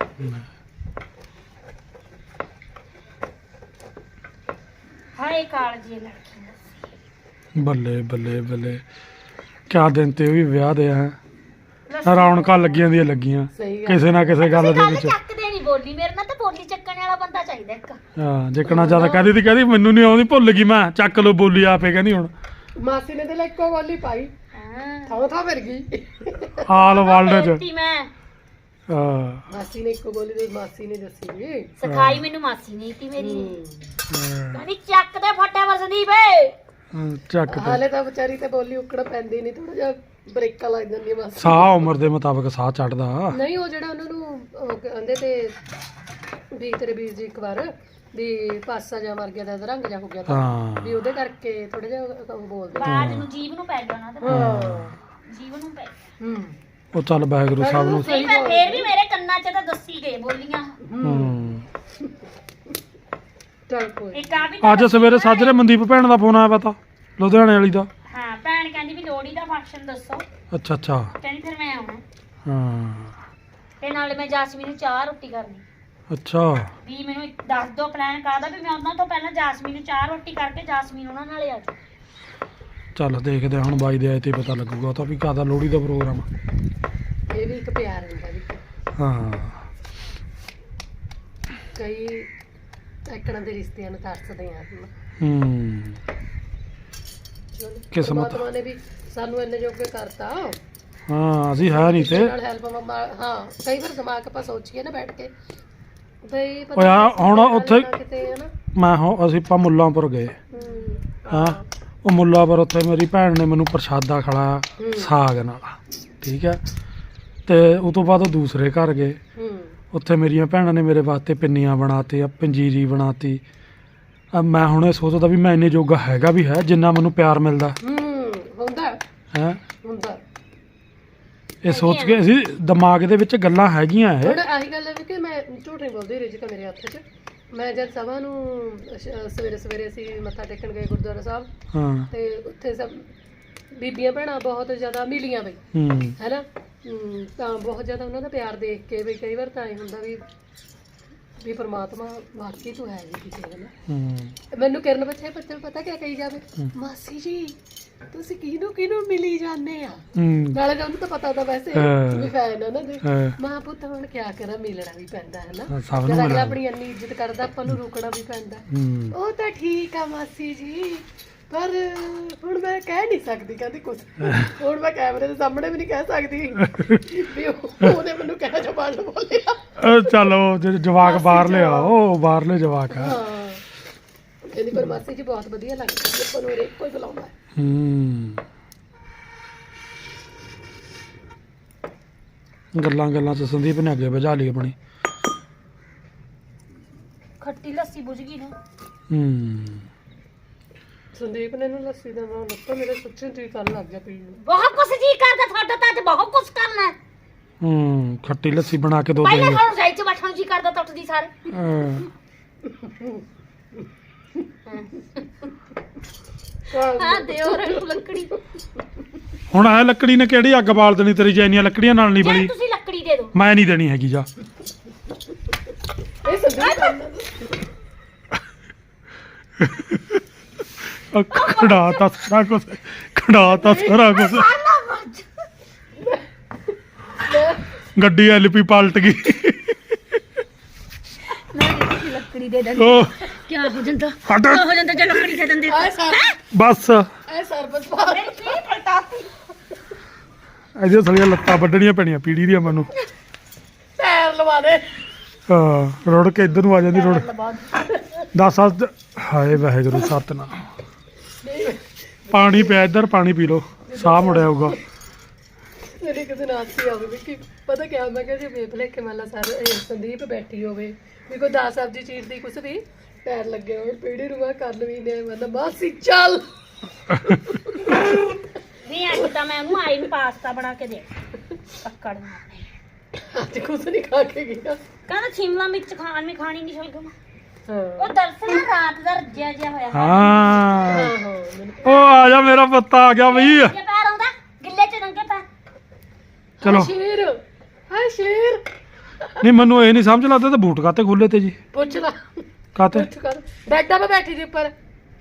ਹਾਏ ਕਾਲਜੀ ਲੜਕੀ
ਬੱਲੇ ਬੱਲੇ ਬੱਲੇ ਕਿਆ ਦਿਨ ਤੇ ਉਹ ਵੀ ਵਿਆਹ ਦੇ ਆ ਰੌਣਕਾਂ ਲੱਗੀਆਂ ਦੀਆਂ ਲੱਗੀਆਂ
ਸਹੀ ਗੱਲ
ਕਿਸੇ ਨਾ ਕਿਸੇ ਗੱਲ ਦੇ ਵਿੱਚ
ਚੱਕਦੇ ਨਹੀਂ ਬੋਲੀ ਮੇਰੇ ਨਾਲ ਤਾਂ ਬੋਲੀ ਚੱਕਣ ਵਾਲਾ ਬੰਦਾ ਚਾਹੀਦਾ ਇੱਕ
ਹਾਂ ਜਿੱਕਣਾ ਜ਼ਿਆਦਾ ਕਹਿੰਦੀ ਮੈਨੂੰ ਨਹੀਂ ਆਉਂਦੀ ਭੁੱਲ ਗਈ ਮੈਂ ਚੱਕ ਲੋ ਬੋਲੀ ਆਪੇ ਕਹਿੰਦੀ ਹੁਣ
ਮਾਸੀ ਨੇ ਤੇ ਲੈ ਇੱਕੋ ਗੋਲੀ ਪਾਈ
ਹਾਂ
ਥਾਂ ਫਿਰ ਗਈ
ਆਲ ਵਰਲਡ ਚ
ਬੇਟੀ ਮੈਂ
ਹਾਂ
ਮਾਸੀ ਨੇ ਇੱਕੋ ਗੋਲੀ ਦੇ ਮਾਸੀ ਨੇ ਦੱਸੀ ਜੀ
ਸਿਖਾਈ ਮੈਨੂੰ ਮਾਸੀ ਨਹੀਂ ਤੀ ਮੇਰੀ ਕਹਿੰਦੀ ਚੱਕ ਦੇ ਫੱਟੇ ਵਸਦੀ ਵੇ
ਚੱਕ ਤੇ
ਹਾਲੇ ਤਾਂ ਵਿਚਾਰੀ ਤੇ ਬੋਲੀ ਉਕੜ ਪੈਂਦੀ ਨਹੀਂ, ਥੋੜਾ ਜਿਹਾ ਬ੍ਰੇਕਾਂ ਲੱਗ ਜਾਂਦੀਆਂ ਬਸ।
ਸਾਹ ਉਮਰ ਦੇ ਮੁਤਾਬਕ ਸਾਹ ਚੜਦਾ।
ਨਹੀਂ ਉਹ ਜਿਹੜਾ ਉਹਨਾਂ ਨੂੰ ਉਹ ਕਹਿੰਦੇ ਤੇ ਵੀ ਤੇਰੇ ਵੀਰ ਜੀ ਇੱਕ ਵਾਰ ਵੀ ਪਾਸਾ ਜਾ ਮਰ ਗਿਆ ਤਾਂ ਰੰਗ ਜਾ ਹੋ ਗਿਆ ਤਾਂ
ਹਾਂ
ਵੀ ਉਹਦੇ ਕਰਕੇ ਥੋੜਾ ਜਿਹਾ ਉਹ ਬੋਲਦੇ।
ਬਾਜ ਨੂੰ ਜੀਵ ਨੂੰ ਪੈ ਜਾਣਾ ਤੇ
ਹਾਂ
ਜੀਵ ਨੂੰ ਪੈ
ਹੂੰ
ਉਹ ਚੱਲ ਵਾਹਿਗੁਰੂ ਸਾਹਿਬ ਨੂੰ।
ਨਹੀਂ ਪਰ ਫੇਰ ਵੀ ਮੇਰੇ ਕੰਨਾਂ 'ਚ ਤਾਂ ਦੱਸੀ ਗਏ ਬੋਲੀਆਂ।
ਚੱਲ ਕੋਈ
ਇੱਕ ਆ ਵੀ
ਅੱਜ ਸਵੇਰੇ ਸਾਜਰੇ ਮਨਦੀਪ ਭੈਣ ਦਾ ਫੋਨ ਆਇਆ ਪਤਾ ਲੁਧਿਆਣੇ ਵਾਲੀ ਦਾ।
ਹਾਂ ਭੈਣ ਕਹਿੰਦੀ ਵੀ ਲੋਹੜੀ ਦਾ ਫੰਕਸ਼ਨ ਦੱਸੋ,
ਅੱਛਾ ਅੱਛਾ
ਕਹਿੰਦੀ ਫਿਰ ਮੈਂ ਆਉਣਾ
ਹਾਂ
ਤੇ ਨਾਲੇ ਮੈਂ ਜਾਸਮੀਨ ਨੂੰ ਚਾਹ ਰੋਟੀ ਕਰਨੀ
ਅੱਛਾ
ਵੀ ਮੈਨੂੰ ਦੱਸ ਦਿਓ ਪਲਾਨ ਕਾਹਦਾ ਵੀ ਮੈਂ ਉਹਨਾਂ ਤੋਂ ਪਹਿਲਾਂ ਜਾਸਮੀਨ ਨੂੰ ਚਾਹ ਰੋਟੀ ਕਰਕੇ ਜਾਸਮੀਨ ਉਹਨਾਂ ਨਾਲੇ ਆ ਜਾਊ।
ਚੱਲ ਦੇਖਦੇ ਹਾਂ ਹੁਣ ਬਾਈ ਦੇ ਆਏ ਤੇ ਪਤਾ ਲੱਗੂਗਾ ਉਹ ਤਾਂ ਵੀ ਕਾਹਦਾ ਲੋਹੜੀ ਦਾ ਪ੍ਰੋਗਰਾਮ।
ਇਹ ਵੀ ਇੱਕ ਪਿਆਰ ਹੁੰਦਾ ਵੀ
ਹਾਂ
ਕਈ ਐਕੜਾਂ ਦੇ ਰਿਸ਼ਤਿਆਂ ਨੂੰ ਤਰਸਦੇ ਆ
ਕਿਸਮਤ।
ਪਰਮਾਤਮਾ ਨੇ ਵੀ ਸਾਨੂੰ ਇੰਨੇ ਜੋਗੇ ਕਰਤਾ
ਹਾਂ ਅਸੀਂ ਹੈ ਨਹੀਂ ਤੇ
ਨਾਲ ਹੈਲਪ ਹਾਂ ਕਈ ਵਾਰ ਦਿਮਾਗ ਆਪਾਂ ਸੋਚੀਏ ਨਾ ਬੈਠ ਕੇ ਬਈ
ਓਏ ਆ ਹੁਣ ਉੱਥੇ
ਕਿਤੇ ਹੈ ਨਾ
ਮੈਂ ਅਸੀਂ ਆਪਾਂ ਮੁੱਲਾਂਪੁਰ ਗਏ ਹਾਂ ਉਹ ਮੁੱਲਾਂਪੁਰ ਉੱਥੇ ਮੇਰੀ ਭੈਣ ਨੇ ਮੈਨੂੰ ਪ੍ਰਸ਼ਾਦਾ ਖਿਲਾਇਆ ਸਾਗ ਨਾਲ ਠੀਕ ਹੈ ਤੇ ਉਸ ਤੋਂ ਬਾਅਦ ਉਹ ਦੂਸਰੇ ਘਰ ਗਏ ਉੱਥੇ ਮੇਰੀਆਂ ਭੈਣਾਂ ਨੇ ਮੇਰੇ ਵਾਸਤੇ ਪਿੰਨੀਆਂ ਬਣਾਤੀ ਪੰਜੀਰੀ ਬਣਾਤੀ। ਮੈਂ ਹੁਣ ਇਹ ਸੋਚਦਾ ਵੀ ਮੈਂ ਇੰਨੇ ਜੋਗਾ ਹੈਗਾ ਵੀ ਹੈ ਜਿੰਨਾ ਮੈਨੂੰ ਪਿਆਰ ਮਿਲਦਾ
ਹੁੰਦਾ
ਹੈ
ਹੁੰਦਾ।
ਇਹ ਸੋਚ ਕੇ ਅਸੀਂ ਦਿਮਾਗ ਦੇ ਵਿੱਚ ਗੱਲਾਂ ਹੈਗੀਆਂ ਇਹ।
ਹੁਣ ਆਹੀ ਗੱਲ ਹੈ ਵੀ ਕਿ ਮੈਂ ਝੂਠ ਨਹੀਂ ਬੋਲਦੀ, ਰਿਜਕ ਮੇਰੇ ਹੱਥ 'ਚ। ਮੈਂ ਜਦ ਸਭਾ ਨੂੰ ਸਵੇਰੇ ਸਵੇਰੇ ਅਸੀਂ ਮੱਥਾ ਟੇਕਣ ਗਏ ਗੁਰਦੁਆਰਾ ਸਾਹਿਬ
ਹਾਂ
ਤੇ ਉੱਥੇ ਸਭ ਬੀਬੀਆਂ ਭੈਣਾਂ ਬਹੁਤ ਜ਼ਿਆਦਾ ਮਿਲੀਆਂ ਬਈ ਹੈਨਾ ਤਾਂ ਬਹੁਤ ਜ਼ਿਆਦਾ ਉਹਨਾਂ ਦਾ ਪਿਆਰ ਦੇਖ ਕੇ ਵੀ ਕਈ ਵਾਰ ਤਾਂ ਇਹ ਹੁੰਦਾ ਵੀ ਪਰਮਾਤਮਾ ਵਾਕਈ ਤੂੰ ਹੈ ਜੀ ਕਿਸੇ ਨਾਲ। ਮੈਨੂੰ ਕਿਰਨ ਬੱਚੇ ਪਤਾ ਕਿਆ ਕਹੀ ਜਾਵੇ ਮਾਸੀ ਜੀ ਤੁਸੀਂ ਕਿਹਨੂੰ ਮਿਲੀ ਜਾਂਦੇ ਆ ਨਾਲੇ ਤਾਂ ਉਹਨੂੰ ਤਾਂ ਪਤਾ ਤਾਂ ਵੈਸੇ ਵੀ ਫੈਨ ਆ ਨਾ ਦੇ ਮਾਂ ਪੁੱਤ ਹੁਣ ਕਿਆ ਕਰਾਂ ਮਿਲਣਾ ਵੀ ਪੈਂਦਾ ਹੈ ਨਾ ਜਦ ਅਗਲਾ ਆਪਣੀ ਇੰਨੀ ਇੱਜ਼ਤ ਕਰਦਾ ਆਪਾਂ ਨੂੰ ਰੁਕਣਾ ਵੀ ਪੈਂਦਾ। ਉਹ ਤਾਂ ਠੀਕ ਆ ਮਾਸੀ ਜੀ ਪਰ ਹੁਣ ਮੈਂ ਕਹਿ ਨਹੀਂ ਸਕਦੀ ਕਹਿੰਦੀ ਕੁਝ ਹੁਣ ਮੈਂ ਕੈਮਰੇ ਦੇ ਸਾਹਮਣੇ ਵੀ ਨਹੀਂ ਕਹਿ ਸਕਦੀ ਵੀ ਉਹਨੇ ਮੈਨੂੰ ਕਹਿ ਜਵਾਨ ਬੋਲਿਆ
ਚਲੋ ਜਵਾਕ ਬਾਹਰ ਲਿਆ ਉਹ ਬਾਹਰਲੇ ਜਵਾਕ ਆ
ਕਹਿੰਦੀ ਪਰ ਮਾਸੀ ਜੀ ਬਹੁਤ ਵਧੀਆ ਲੱਗਦੀ ਆਪਾਂ ਨੂੰ ਹਰੇਕ ਕੋਈ ਬੁਲਾਉਂਦਾ
ਗੱਲਾਂ ਚ ਸੰਦੀਪ ਨੇ ਅੱਗੇ ਵਜਾ ਲਈ ਆਪਣੀ
ਖੱਟੀ ਲੱਸੀ ਬੁਝ ਗਈ ਨਾ।
ਸੰਦੀਪ ਨੇ ਨੂੰ ਲੱਸੀ ਦਾ ਨਾਮ ਲੱਤਾ ਮੇਰੇ ਸੱਚੀ ਜੀ ਕਰਨ ਲੱਗ ਗਿਆ ਪੀਣ ਨੂੰ।
ਬਹੁਤ ਕੁਛ ਜੀ ਕਰਦਾ ਤੁਹਾਡਾ ਤਾਂ ਅੱਜ ਬਹੁਤ ਕੁਛ ਕਰਨਾ ਹੈ।
ਖੱਟੀ ਲੱਸੀ ਬਣਾ ਕੇ ਦੋ
ਪਹਿਲਾਂ
ਦੇਂਗੇ।
ਤੁਹਾਨੂੰ ਜਾਈ ਚ ਬੈਠਣ ਜੀ ਕਰਦਾ ਟੁੱਟਦੀ ਸਾਰੇ। ਹਾਂ ਦਿਓ ਰੂ ਲੱਕੜੀ।
ਹੁਣ ਆ ਲੱਕੜੀ ਨੇ ਕਿਹੜੀ ਅੱਗ ਬਾਲ ਦੇਣੀ ਤੇਰੀ ਜੈਨੀਆਂ ਲੱਕੜੀਆਂ ਨਾਲ ਨਹੀਂ
ਜੇ
ਬਲੀ।
ਤੁਸੀਂ ਲੱਕੜੀ ਦੇ ਦਿਓ
ਮੈਂ ਨਹੀਂ ਦੇਣੀ ਹੈਗੀ ਜਾ।
ਇਹ ਸੰਦੀਪ
ਖੜਾਤਾ ਸਾਰਾ ਕੁਝ ਗੱਡੀ ਐਲਪੀ ਪਲਟ ਗਈ।
ਮੈਂ ਲੱਕੜੀ ਦੇ ਦਿੰਦੀ
ਉਹ
ਕੀ ਹੋ ਜਾਂਦਾ
ਹਟ
ਹੋ ਜਾਂਦਾ ਜੇ ਲੱਕੜੀ ਦੇ ਦਿੰਦੇ
ਆਏ ਸਰ
ਬਸ
ਆਏ ਸਰਬਸ ਪਾ
ਕੀ ਪਲਟਾ
ਇਹਦੀਆਂ ਸਾਰੀਆਂ ਲੱਤਾਂ ਵੱਢਣੀਆਂ ਪੈਣੀਆਂ ਪੀੜੀ ਦੀਆਂ ਮੈਨੂੰ।
ਪੈਰ ਲਵਾ ਦੇ
ਹਾਂ ਰੁੜ ਕੇ ਇੱਧਰ ਨੂੰ ਆ ਜਾਂਦੀ ਰੁੜ 10 ਹਾਏ ਵਾਹਿਗੁਰੂ ਸਤਨਾਮ। ਪਾਣੀ ਪਿਆ ਇੱਧਰ ਪਾਣੀ ਪੀ ਲਓ ਸਾਹ ਮੁੜਿਆ ਆਊਗਾ।
ਮੇਰੀ ਕਿਸੇ ਨਾਲ ਸੀ ਆਵੇ ਵੀ ਕਿ ਪਤਾ ਕਿਆ ਮੈਂ ਕਿਹਾ ਜੇ ਵੇਖ ਲੈ ਕੇ ਮੰਨ ਸਰ ਸੰਦੀਪ ਬੈਠੀ ਹੋਵੇ ਵੀ ਕੋਈ ਦਾਲ ਸਬਜ਼ੀ ਚੀਰਦੀ ਕੁਛ ਵੀ ਪੈਰ ਲੱਗੇ ਹੋਣ ਪੀੜੀ ਨੂੰ ਮੈਂ ਕਰ ਲਵੀ ਨੇ ਮਤਲਬ ਮਾਸੀ ਚੱਲ
ਨਹੀਂ ਅੱਜ ਤਾਂ ਮੈਂ ਉਹਨੂੰ ਆਈ ਨੂੰ ਪਾਸਤਾ ਬਣਾ ਕੇ ਦੇ ਪੱਕੜ ਮਾਰਨੇ।
ਅੱਜ ਕੁਛ ਨਹੀਂ ਖਾ ਕੇ ਗਿਆ
ਕਹਿੰਦਾ ਸ਼ਿਮਲਾ ਮਿਰਚ ਖਾਣੀ ਨਹੀਂ ਸ਼ਲਗਮ।
ਹਾਂ
ਉਹ ਦਰਸ਼ਨ ਰਾਤ ਦਾ ਰੱਜਿਆ ਜਿਹਾ ਹੋਇਆ
ਹਾਂ
ਹਾਂ
ਉਹ ਆ ਜਾ ਮੇਰਾ ਪੱਤਾ ਆ ਗਿਆ ਬਈ।
ਜੇ ਪੈਰ ਆਉਂਦਾ ਗਿੱਲੇ ਚ ਨੰਗੇ ਪੈਰ।
ਚਲੋ
ਸ਼ੇਰ ਹਾਏ ਸ਼ੇਰ
ਨਹੀਂ ਮੈਨੂੰ ਇਹ ਨਹੀਂ ਸਮਝ ਲੱਗਦਾ ਤੇ ਬੂਟ ਕਾਤੇ ਖੋਲੇ ਤੇ ਜੀ
ਪੁੱਛ ਲਾ
ਕਾਤੇ
ਪੁੱਛ ਕਰ ਬੈਠਾ ਮੈਂ ਬੈਠੀ ਦੀ ਉੱਪਰ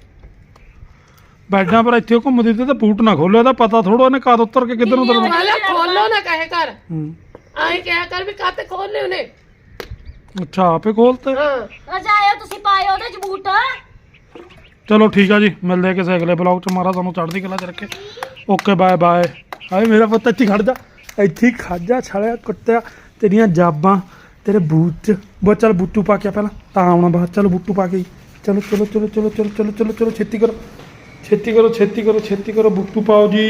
ਬੈਡਾਂ ਪਰ ਇੱਥੇ ਘੁੰਮਦੀ ਤੇ ਬੂਟ ਨਾ ਖੋਲੇ ਦਾ ਪਤਾ ਥੋੜਾ ਉਹਨੇ ਕਦ ਉੱਤਰ ਕੇ ਕਿੱਧਰ ਨੂੰ ਉਤਰਨਾ।
ਮਾਲਾ ਖੋਲੋ ਨਾ ਕਹੇ ਕਰ
ਹੂੰ
ਆਏ ਕਿਹਾ ਕਰ ਵੀ ਕਾਤੇ ਖੋਲਨੇ ਉਹਨੇ
ਅੱਛਾ ਆਪੇ ਖੋਲਤੇ।
ਹਾਂ
ਰਜਾਇਓ ਤੁਸੀਂ ਪਾਇਓ ਉਹਦੇ ਚ ਬੂਟ।
ਚਲੋ ਠੀਕ ਆ ਜੀ ਮਿਲਦੇ ਕਿਸੇ ਅਗਲੇ ਬਲੌਗ ਚ। ਮਾਰਾ ਤੁਹਾਨੂੰ ਚੜ੍ਹਦੀ ਕਲਾ ਚ ਰੱਖੇ। Okay bye bye. ਹਾਏ ਮੇਰਾ ਪੁੱਤ ਇੱਥੇ ਖੜ ਜਾ ਇੱਥੇ ਖੜ ਜਾ ਛਾਲਿਆ ਕੁੱਤਿਆ ਤੇਰੀਆਂ ਜਾਬਾਂ ਤੇਰੇ ਬੂਟ ਬੋ ਚੱਲ ਬੂਟੂ ਪਾ ਕੇ ਪਹਿਲਾਂ ਤਾਂ ਆਉਣਾ ਬਾਅਦ। ਚਲੋ ਬੂਟੂ ਪਾ ਕੇ ਚਲੋ ਛੇਤੀ ਕਰੋ ਛੇਤੀ ਕਰੋ ਛੇਤੀ ਕਰੋ ਛੇਤੀ ਕਰੋ ਬੁੱਟੂ ਪਾਓ ਜੀ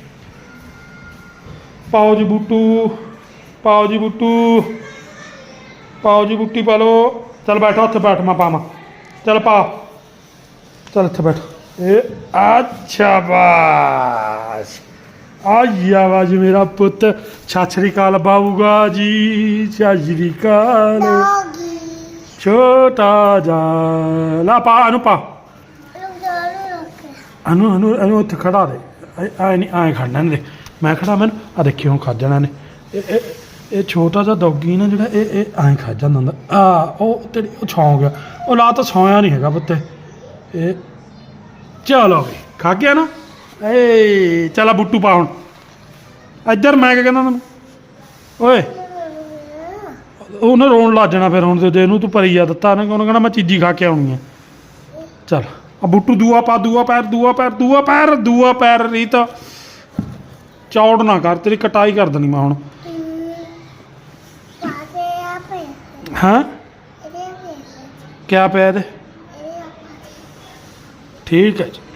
ਬੁੱਟੂ ਪਾਓ ਜੀ ਬੁੱਟੀ ਪਾ ਲਓ ਚੱਲ ਬੈਠੋ ਉੱਥੇ ਬੈਠ ਮੈਂ ਪਾਵਾਂ ਚੱਲ ਪਾ ਚੱਲ ਇੱਥੇ ਬੈਠ ਇਹ ਅੱਛਾ ਬਾਸ ਆਇਆ ਵਾਜ ਮੇਰਾ ਪੁੱਤ ਸਤਿ ਸ਼੍ਰੀ ਅਕਾਲ ਬਾਊਗਾ ਜੀ ਸਤਿ ਸ਼੍ਰੀ ਅਕਾਲ ਛੋਟਾ ਜਾ ਲਾ ਪਾ ਅਨੂ ਪਾ ਅਨੂ ਉੱਥੇ ਖੜਾ ਦੇ ਆਏ ਨਹੀਂ ਆਏ ਖੜਨਾ ਇਹਨੇ ਦੇ ਮੈਂ ਖੜਾ ਮੈਨੂੰ ਆ ਦੇਖੀ ਹੁਣ ਖਾ ਜਾਣਾ ਨੇ ਇਹ ਛੋਟਾ ਜਿਹਾ ਡੌਗੀ ਨਾ ਜਿਹੜਾ ਇਹ ਐਂ ਖਾ ਜਾਂਦਾ ਹੁੰਦਾ ਉਹ ਤੇਰੀ ਉਹ ਸੌਂ ਗਿਆ ਉਹ ਲਾ ਤਾਂ ਸੌਂਇਆ ਨਹੀਂ ਹੈਗਾ ਪੁੱਤੇ ਇਹ ਚਲੋ ਵੀ ਖਾ ਗਿਆ ਨਾ ਏ ਚੱਲ ਬੁੱਟੂ ਪਾ ਹੁਣ ਇੱਧਰ ਮੈਂ ਕਿਆ ਕਹਿੰਦਾ ਤੈਨੂੰ ਓਏ ਉਹਨੇ ਰੋਣ ਲੱਗ ਜਾਣਾ ਫਿਰ ਹੁਣ ਜੇ ਇਹਨੂੰ ਤੂੰ ਪਰੀਆ ਦਿੱਤਾ ਉਹਨੇ ਕਹਿਣਾ ਮੈਂ ਚੀਜ਼ੀ ਖਾ ਕੇ ਆਉਣੀ ਆ ਚੱਲ ਆ ਬੁੱਟੂ ਦੂਆ ਪੈਰ ਰੀਤ ਚੌੜ ਨਾ ਕਰ ਤੇਰੀ ਕਟਾਈ ਕਰ ਦੇਣੀ ਮੈਂ ਹੁਣ ਹਾਂ ਕਿਆ ਪਿਆ ਇਹਦੇ ਠੀਕ ਹੈ ਜੀ